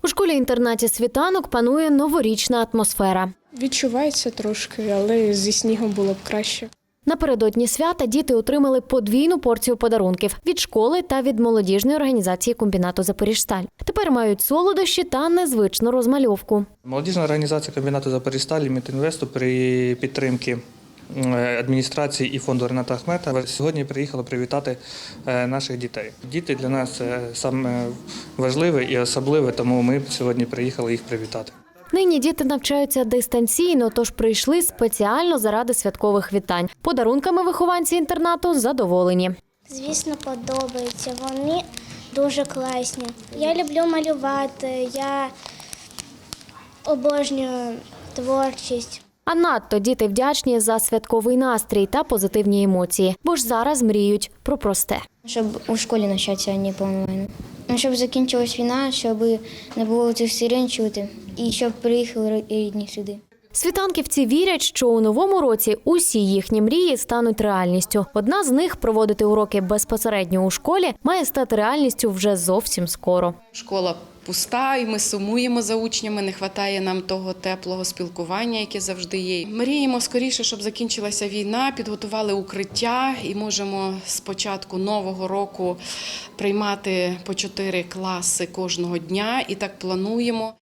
У школі-інтернаті «Світанок» панує новорічна атмосфера. Відчувається трошки, але зі снігом було б краще. Напередодні свята діти отримали подвійну порцію подарунків – від школи та від молодіжної організації комбінату «Запоріжсталь». Тепер мають солодощі та незвичну розмальовку. Молодіжна організація комбінату «Запоріжсталь» і Мітінвесту при підтримці адміністрації і фонду Рената Ахметова сьогодні приїхали привітати наших дітей. Діти для нас саме важливе і особливе, тому ми сьогодні приїхали їх привітати. Нині діти навчаються дистанційно, тож прийшли спеціально заради святкових вітань. Подарунками вихованці інтернату задоволені. Звісно, подобається. Вони дуже класні. Я люблю малювати, я обожнюю творчість. А надто діти вдячні за святковий настрій та позитивні емоції, бо ж зараз мріють про просте. Щоб у школі навчатися, а не по онлайну. Щоб закінчилась війна, щоб не було цих сирен чути і щоб приїхали рідні сюди. Світанківці вірять, що у новому році усі їхні мрії стануть реальністю. Одна з них – проводити уроки безпосередньо у школі – має стати реальністю вже зовсім скоро. Школа пуста, і ми сумуємо за учнями, не вистачає нам того теплого спілкування, яке завжди є. Мріємо скоріше, щоб закінчилася війна, підготували укриття і можемо з початку нового року приймати по 4 класи кожного дня, і так плануємо.